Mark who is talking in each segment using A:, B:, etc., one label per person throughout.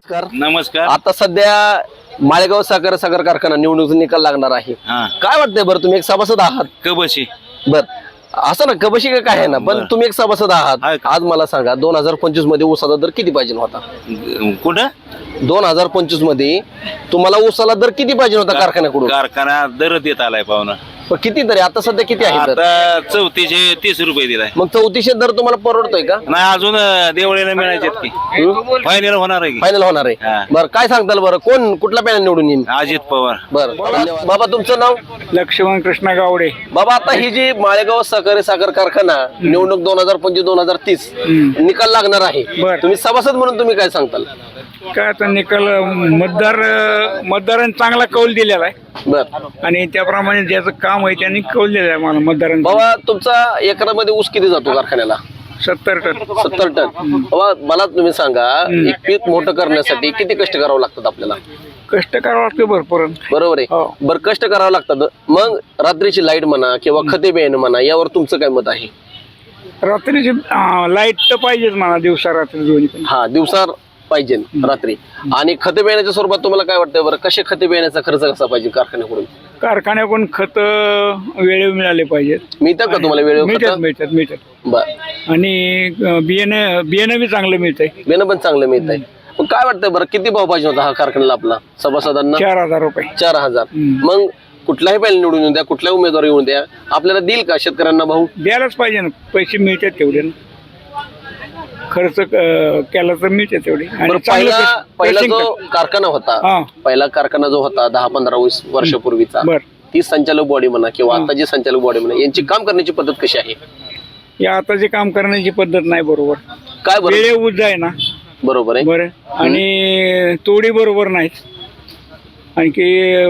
A: नमस्कार.
B: नमस्कार.
A: आता सध्या माळेगाव साखर कारखाना निवडणूक निकाल लागणार आहे.
B: हा
A: काय वाटतंय बरं, तुम्ही एक सभासद आहात?
B: कबशी
A: बर असं ना, कबशी काय आहे ना, पण
B: बरं.
A: तुम्ही एक सभासद आहात.
B: आहे का?
A: आज मला सांगा 2025 मध्ये ऊसाचा दर किती पाहिजे होता?
B: कुठं
A: 2025 मध्ये तुम्हाला ऊसाला दर किती पाहिजे होता कारखान्याकडून?
B: कारखाना दर देत आलाय पाहुणा.
A: पण किती तरी आता सध्या किती आहे दर?
B: आता 3430 रुपये दिलाय.
A: मग 3400 दर तुम्हाला परवडतोय का?
B: नाही अजून देवळीला मिळायचेत की फायनल होणार आहे की
A: फायनल होणार आहे.
B: हा.
A: बरं काय सांगताल बरं, कोण कुठला पॅनल निवडून येईल?
B: अजित पवार.
A: बरं धन्यवाद. बाबा तुमचं नाव?
C: लक्ष्मण कृष्ण गावडे.
A: बाबा आता ही जी माळेगाव सहकारी साखर कारखाना निवडणूक 2025-2030 निकाल लागणार आहे,
C: बर.
A: तुम्ही सभासद म्हणून तुम्ही काय सांगताल?
C: काय आता निकाल मतदारांनी चांगला कौल दिलेला आहे
A: बर
C: आणि त्याप्रमाणे ज्याचं काम आहे त्यांनी कौल दिलेला आहे मला मतदारांनी.
A: बाबा तुमचा एकरामध्ये ऊस किती जातो कारखान्याला?
C: 70 टन.
A: 70 टन. बाबा मला तुम्ही सांगा, एक पीक मोठं करण्यासाठी किती कष्ट करावं लागतात आपल्याला?
C: कष्ट करावं लागतं भरपूर.
A: बरोबर आहे.
C: हो.
A: बरं कष्ट करावं लागतात, मग रात्रीची लाईट म्हणा किंवा खते बियाणं म्हणा, यावर तुमचं काय मत आहे?
C: रात्रीची लाईट तर पाहिजेच म्हणा, दिवसा रात्री दोन्ही पण.
A: हा दिवसा पाहिजे रात्री. आणि खते बियाण्याच्या स्वरूपात तुम्हाला काय वाटतं बरं, कसे खते बियाण्याचा खर्च कसा पाहिजे कारखान्याकडून?
C: कारखान्याकडून खत वेळेवर मिळाले पाहिजेत.
A: मिळतात का तुम्हाला वेळेवर
C: मिळतात
A: खतं?
C: मिळतात मिळतात.
A: बर
C: आणि बियाणं बी चांगलं मिळतंय.
A: बियाणं पण चांगलं मिळत आहे. मग काय वाटतं बरं, किती भाव पाहिजे होता हा कारखान्याला आपला सभासदांना?
C: 4000 रुपये.
A: 4000. मग कुठलाही पॅनल निवडून येऊन द्या, कुठलाही उमेदवार येऊन द्या, आपल्याला देईल का शेतकऱ्यांना भाऊ?
C: द्यायलाच पाहिजे ना, पैसे मिळतात तेवढे ना. खर्च केला तर मिळते तेवढे. आणि
A: बरं,
C: चांगलं
A: पहिला
C: pressing
A: जो कारखाना होता,
C: हा.
A: पहिला कारखाना जो होता 10-15-20 वर्षापूर्वीचा,
C: बर.
A: ती संचालक बॉडी म्हणा किंवा आता जी संचालक बॉडी म्हणा, यांची काम करण्याची पद्धत कशी आहे?
C: या आताचे काम करण्याची पद्धत नाही बरोबर.
A: काय बरं?
C: वेळे उज आहे ना.
A: बरोबर आहे.
C: बरं. आणि तोडी बरोबर नाहीत. आणखी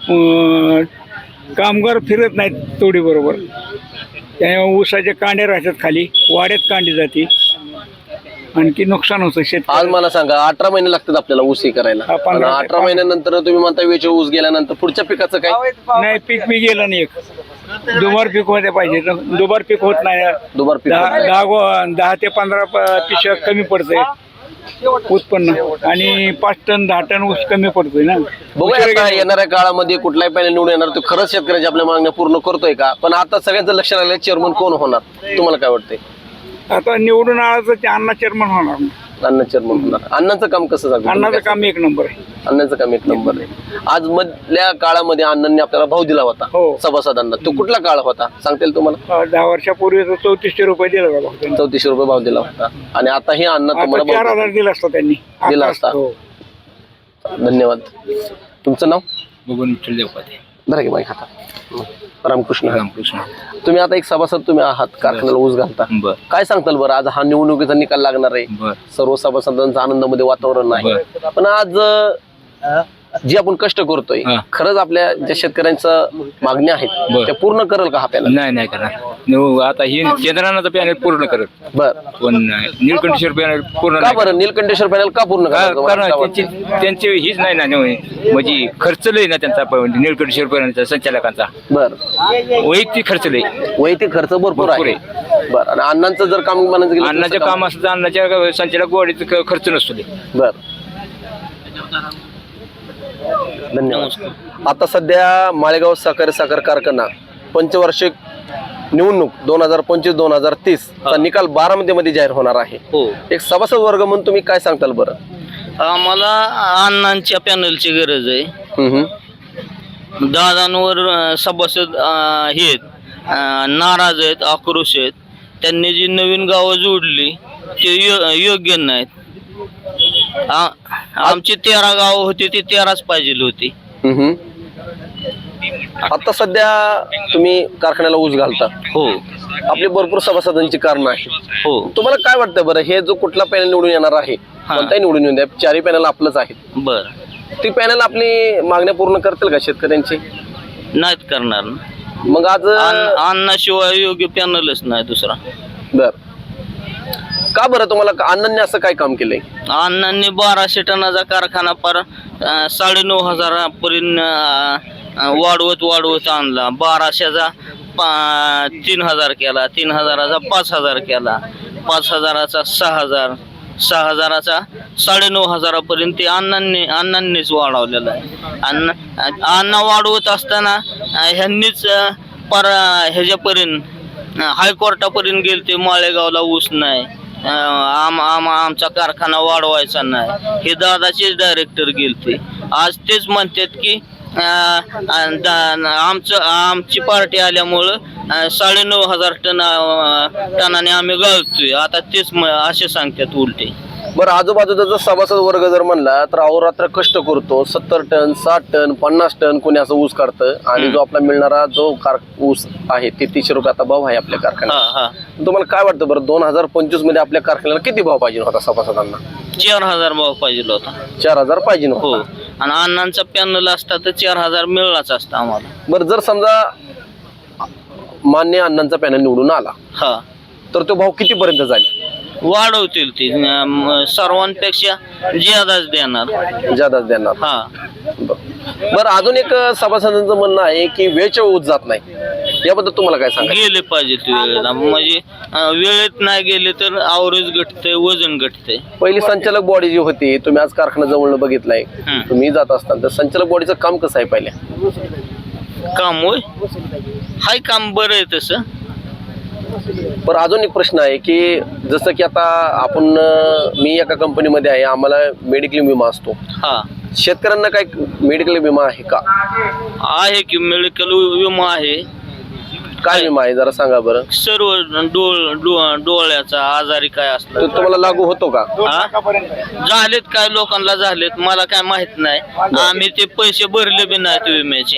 C: कामगार फिरत नाहीत तोडी बरोबर. त्यामुळे ऊसाचे कांडे राहतात खाली, वाड्यात कांडी जाते, आणखी नुकसान होतं
A: आज
C: शेतकरी.
A: मला सांगा 18 महिने लागतात आपल्याला ऊस हे करायला.
C: हा, 15
A: आणि 18 महिन्यानंतर तुम्ही म्हणता वेळेवर ऊस गेल्यानंतर पुढच्या पिकाचं काय?
C: नाही पीक बी गेलं नाही. एक दुबार पीक होते पाहिजे, दुबार पीक होत नाही.
A: दुबार पीक होत नाही.
C: 10 ते 15 पिशव्या कमी पडतंय उत्पन्न, आणि 5 टन 10 टन ऊस कमी पडतोय ना.
A: बघूया आता येणाऱ्या काळामध्ये कुठलाही पॅनल निवडून येणार, तो खरंच शेतकऱ्याच्या आपल्या मागण्या पूर्ण करतोय का? पण आता सगळ्यांचं लक्ष राहिलं चेअरमन कोण होणार, तुम्हाला काय वाटतंय?
C: आता निवडून आलं तर ते अण्णा चेअरमन होणार.
A: अण्णा चेअरमन होणार. अण्णांचं काम कसं झालं?
C: अण्णाचं काम एक नंबर आहे.
A: अण्णांचं काम एक नंबर आहे. आज मधल्या काळामध्ये अण्णांनी आपल्याला भाव दिला होता
C: हो.
A: सभासदांना, तो कुठला काळ होता सांगता येईल तुम्हाला?
C: 10 वर्षापूर्वी 3400 रुपये दिला बाबा.
A: 3400 रुपये भाव दिला होता. आणि आता हे अण्णा तुम्हाला भाव
C: 4000 दिला असता त्यांनी.
A: दिला असता.
C: हो.
A: धन्यवाद. तुमचं नाव?
B: बघून विठ्ठल देवपाते.
A: बरं की बाईक हातात. रामकृष्ण.
B: रामकृष्ण.
A: तुम्ही आता एक सभासद तुम्ही आहात, कारखान्याला ऊस घालता.
B: बर
A: काय सांगताल बरं, आज हा निवडणुकीचा निकाल लागणार आहे,
B: बर
A: सर्व सभासदांचं आनंदामध्ये वातावरण आहे, पण आज जी आपण कष्ट करतोय
B: हा.
A: खरंच आपल्या ज्या शेतकऱ्यांच्या मागण्या आहेत
B: बरं.
A: त्या पूर्ण करेल का हा पॅनल?
B: नाही करणार. आता ही केंद्रानं पॅनल पूर्ण करत,
A: बर
B: पण निळकंठेश्वर पॅनल पूर्ण
A: का बरं निलकंठेश्वर पॅनल का पूर्ण करायचं? मला
B: कारण
A: काय वाटतं?
B: त्यांची हीच नाही ना, म्हणजे खर्च लय ना त्यांचा निळकंठेश्वर पॅनलचा संचालकांचा
A: बर
B: वैयक्तिक खर्च लय.
A: वैयक्तिक खर्च भरपूर
B: भरपूर
A: आहे. बर आणि अण्णांचं जर काम म्हणायचं गेलं तर
B: अन्नाचं
A: कसं
B: काम असतं तर अन्नाच्या संचालक वाढीचा खर्च नसतो ते.
A: बर धन्यवाद. आता सध्या माळेगाव साखर कारखाना पंचवार्षिक निवडणूक 2025-2030 चा निकाल बारामतीमध्ये जाहीर होणार आहे.
D: हो,
A: एक सभासद वर्ग म्हणून तुम्ही काय सांगताल बरं?
D: आम्हाला अण्णांच्या पॅनलची गरज आहे. दादांवर सभासद हे आहेत, नाराज आहेत, आक्रोश आहेत. त्यांनी जी नवीन गावं जोडली ते योग्य नाहीत. आमची 13 गावं होती, ती 13च पाहिजे होती.
A: आता सध्या तुम्ही कारखान्याला ऊस घालता,
D: हो
A: आपली भरपूर सभासदांची कारण आहे.
D: हो.
A: तुम्हाला काय वाटतं बरं, हे जो कुठला पॅनल निवडून येणार आहे, कोणताही निवडून येऊन द्या, चारही पॅनल आपलंच आहे,
D: बर
A: ती पॅनल आपली मागण्या पूर्ण करतील का शेतकऱ्यांची?
D: नाहीत करणार ना.
A: मग आज
D: अन्नाशिवाय योग्य पॅनलच नाही दुसरा.
A: बर का बरं, तुम्हाला अण्णांनी असं काय काम केलंय?
D: अण्णांनी 1200 टनाचा कारखाना पर 9,500 पर्यंत वाढवत आणला. 1200चा 3000 केला, 3000चा 5000 केला, 5000चा 6000, 6,000चा 9,500पर्यंत ते अण्णांनीच वाढवलेला आहे. अण्णा वाढवत असताना ह्यांनीच ह्याच्यापर्यंत हायकोर्टापर्यंत गेले ते माळेगावला ऊस नाही, आमचा कारखाना वाढवायचा नाही, हे दादाचेच डायरेक्टर गेलते. आज तेच म्हणतात की आमची पार्टी आल्यामुळं 9,500 टनाने आम्ही गाळतोय. आता तेच असे सांगतात उलटे.
A: बरं, आजूबाजूचा जर सभासद वर्ग जर म्हणला तर अहोरात्र कष्ट करतो, 70 टन 60 टन 50 टन कोणी असं ऊस काढतं आणि जो आपला मिळणारा जो ऊस आहे ते 300 रुपये आता भाव आहे आपल्या कारखान्यात. तुम्हाला काय वाटतं बरं, 2025 मध्ये आपल्या कारखान्याला किती भाव पाहिजे होता सभासदांना?
D: 4,000 भाव पाहिजे होता.
A: 4,000 पाहिजे
D: हो, आणि अण्णांचा पॅनल असता तर 4,000 मिळलाच असता आम्हाला.
A: बरं, जर समजा मान्य अण्णांचा पॅनल निवडून आला
D: हा,
A: तर तो भाव कितीपर्यंत जाईल?
D: वाढवतील ते सर्वांपेक्षा ज्यादाच देणार. हा,
A: बरं, अजून एक सभासदांचं म्हणणं आहे की वेळच्या ऊस जात नाही, याबद्दल तुम्हाला काय सांगा?
D: गेले पाहिजे वेळेला, म्हणजे वेळेत नाही गेले तर आवरेज घटते, वजन घटते.
A: पहिली संचालक बॉडी जी होती, तुम्ही आज कारखाना जवळ बघितलाय, तुम्ही जात असताना तर संचालक बॉडीचं काम कसं आहे पहिल्या?
D: काम होय, हाय काम बरं आहे तसं.
A: पण अजून एक प्रश्न आहे की जसं की आता मी एका कंपनीमध्ये आहे, आम्हाला मेडिक्लेम विमा असतो.
D: हा,
A: शेतकऱ्यांना काय मेडिकल विमा आहे का?
D: आहे की मेडिकल विमा आहे.
A: काय विमा आहे जरा सांगा बरं.
D: सर्व डोळ्याचा आजारी काय असलं
A: तो तुम्हाला लागू होतो का?
D: झालेत काय लोकांना झालेत, मला काय माहित नाही. आम्ही ते पैसे भरले बी नाहीत विम्याचे.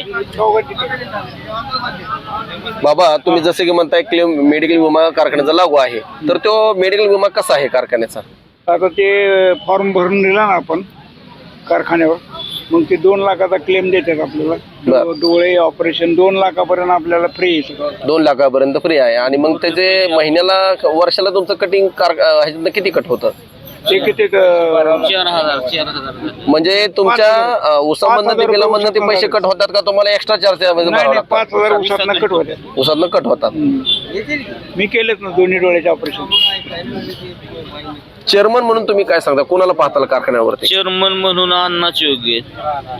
A: बाबा, तुम्ही जसे की म्हणताय क्लेम मेडिकल विमा कारखान्याचा लागू आहे, तर तो मेडिकल विमा कसा आहे कारखान्याचा?
C: आता ते फॉर्म भरून दिला ना आपण कारखान्यावर, मग ते 2 लाखाचा क्लेम देतात आपल्याला. डोळे ऑपरेशन 2 लाखापर्यंत आपल्याला फ्री आहे.
A: 2 लाखापर्यंत फ्री आहे. आणि मग त्याचे महिन्याला वर्षाला तुमचं कटिंग ह्याच्यातनं किती कट होतं?
C: ते किती
D: 4,000
A: म्हणजे तुमच्या उसामधनं ते बिलामधनं ते पैसे कट होतात का तुम्हाला एक्स्ट्रा चार्ज?
C: 5,000 उसातनं कट होते.
A: उसातनं कट होतात.
C: मी केलेत ना दोन्ही डोळ्याचे ऑपरेशन.
A: चेअरमन म्हणून तुम्ही काय सांगता, कोणाला पाहताल कारखान्यावरती?
D: चेअरमन म्हणून अण्णाच योग्य आहेत.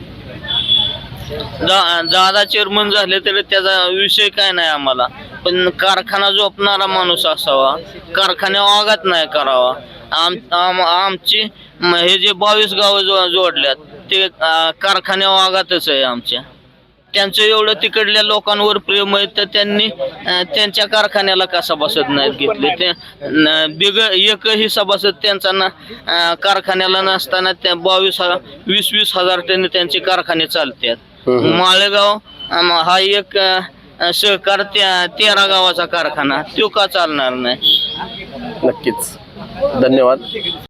D: दादा चेअरमन झाले तर त्याचा विषय काय नाही आम्हाला, पण कारखाना झोपणारा माणूस असावा, कारखान्यावर आघात नाही करावा. आमची हे जे 22 गावं जोडल्यात ते कारखान्यावर आघातच आहे आमच्या. त्यांचं एवढं तिकडल्या लोकांवर प्रेम आहे तर त्यांनी त्यांच्या कारखान्याला का सभासद नाहीत घेतले? ते एकही सभासद त्यांचा कारखान्याला नसताना त्या 20-20 हजार टन त्यांचे कारखाने चालतात. माळेगाव हा एक सहकार 13 गावाचा कारखाना, तो का चालणार नाही?
A: नक्कीच, धन्यवाद.